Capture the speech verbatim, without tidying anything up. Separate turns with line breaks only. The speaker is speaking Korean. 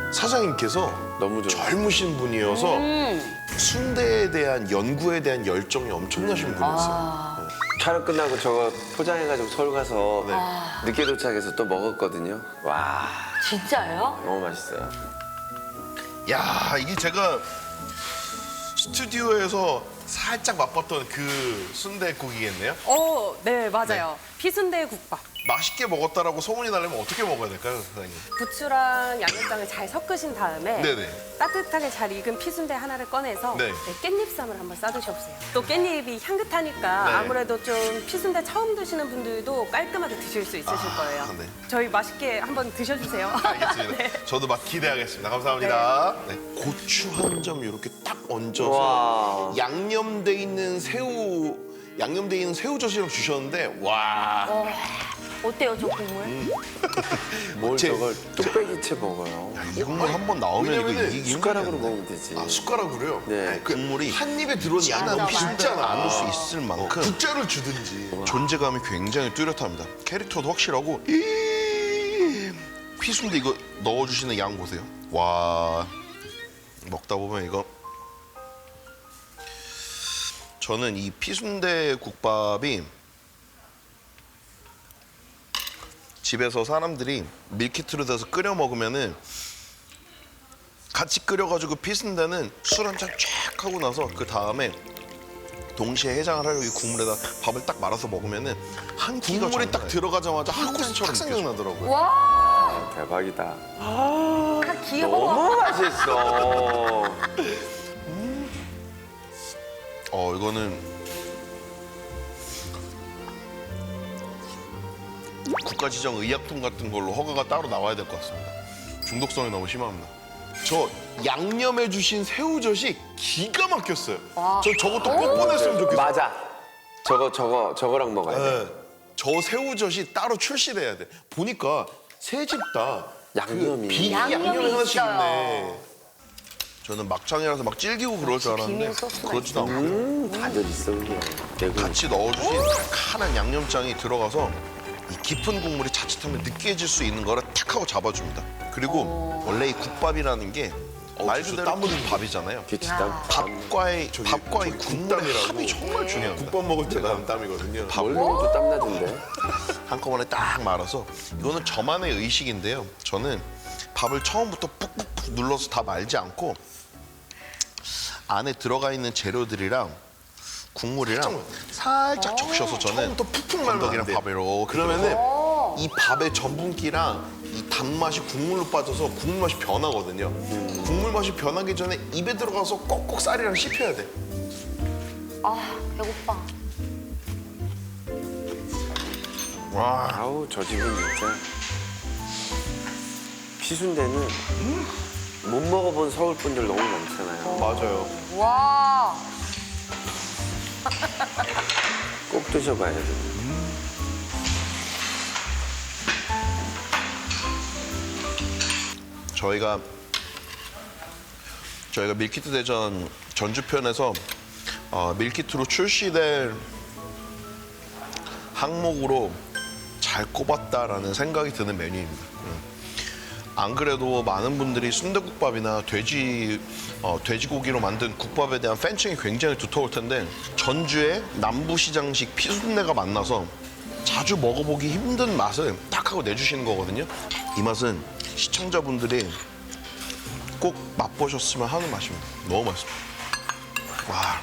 사장님께서
너무 좋아.
젊으신 분이어서
음.
순대에 대한 연구에 대한 열정이 엄청나신 분이었어요.
아.
촬영 끝나고 저거 포장해가지고 서울 가서
네.
늦게 도착해서 또 먹었거든요. 와,
진짜요?
너무 맛있어요.
야, 이게 제가 스튜디오에서 살짝 맛봤던 그 순대국이겠네요.
어, 네, 맞아요. 피순대 국밥.
맛있게 먹었다라고 소문이 나려면 어떻게 먹어야 될까요, 사장님?
부추랑 양념장을 잘 섞으신 다음에
네네.
따뜻하게 잘 익은 피순대 하나를 꺼내서
네.
네, 깻잎쌈을 한번 싸드셔보세요. 또 깻잎이 향긋하니까
네.
아무래도 좀 피순대 처음 드시는 분들도 깔끔하게 드실 수 있으실
아,
거예요.
네.
저희 맛있게 한번 드셔주세요.
알겠습니다.
네.
저도 맛 기대하겠습니다. 감사합니다. 네. 고추 한 점 이렇게 딱 얹어서
와.
양념돼 있는 새우, 양념돼 있는 새우젓이랑 주셨는데 와.
어, 어때요, 저 국물?
뭘
제-
저걸 뚝배기채 먹어요.
이 국물 한 번 나오면 이거 왜냐면은 이기기
숟가락으로
힘들겠네.
먹으면 되지.
아, 숟가락으로요?
네.
그 국물이 한 입에 들어오니
맞아,
약간
맞아.
비잖아.
나눌 수 있을 만큼
국자를 주든지.
존재감이 굉장히 뚜렷합니다. 캐릭터도 확실하고 이 피순대 이거 넣어주시는 양 보세요. 와, 먹다 보면 이거 저는 이 피순대 국밥이 집에서 사람들이 밀키트로 돼서 끓여 먹으면은 같이 끓여가지고 피순대는 술 한 잔 쫙 하고 나서 그 다음에 동시에 해장을 하려고 이 국물에다 밥을 딱 말아서 먹으면은 한 끼가
국물이 딱
정말
들어가자마자
한
한국에서
곳처럼
딱 생각나더라고요.
와,
아, 대박이다.
다 귀여워.
너무 맛있어.
어 이거는 국가지정의약품 같은 걸로 허가가 따로 나와야 될 것 같습니다. 중독성이 너무 심합니다.
저 양념해 주신 새우젓이 기가 막혔어요. 저 저것도 꼭 보냈으면 좋겠어요.
맞아. 저거 저거 저거랑 먹어야 돼.
네. 저 새우젓이 따로 출시돼야 돼. 보니까 세 집 다
양념이.
그 비기
양념이
양념이 하나씩
있어요.
있네.
저는 막창이라서 막 질기고 그럴 줄 알았는데
비밀 소스가
그렇지도 않고
음, 다들 있어 그냥. 내가
같이 넣어주신 칼칼한 양념장이 들어가서 이 깊은 국물이 자칫하면 느끼해질 수 있는 거를 탁 하고 잡아줍니다. 그리고 원래 이 국밥이라는 게 말
진짜
그대로
땀 흘리는
밥이잖아요.
기치다.
밥과의
저기-
밥과 이
저기
국물의
국땀이라고.
합이 정말 중요합니다.
국밥 먹을 때 나는 땀이거든요.
뭘 먹어도 땀 나던데.
한꺼번에 딱 말아서 이거는 저만의 의식인데요. 저는 밥을 처음부터 푹푹푹 눌러서 다 말지 않고 안에 들어가 있는 재료들이랑 국물이랑 살짝 적셔서 저는
처음부터 푹푹 말면
건더기랑
안 돼.
밥을 이렇게
그러면은 이 밥의 전분기랑 이 단맛이 국물로 빠져서 국물 맛이 변하거든요. 국물 맛이 변하기 전에 입에 들어가서 꼭꼭 쌀이랑 씹혀야 돼.
아, 배고파.
와
아우 저 집은 진짜 피순대는 못 먹어본 서울 분들 너무 많잖아요.
맞아요.
와,
꼭 드셔봐야 돼.
저희가 저희가 밀키트 대전 전주편에서 어, 밀키트로 출시될 항목으로 잘 꼽았다라는 생각이 드는 메뉴입니다. 음. 안 그래도 많은 분들이 순대국밥이나 돼지 어, 돼지고기로 만든 국밥에 대한 팬층이 굉장히 두터울 텐데 전주의 남부시장식 피순대가 만나서 자주 먹어보기 힘든 맛을 딱 하고 내주시는 거거든요. 이 맛은 시청자분들이 꼭 맛보셨으면 하는 맛입니다. 너무 맛있습니다. 와.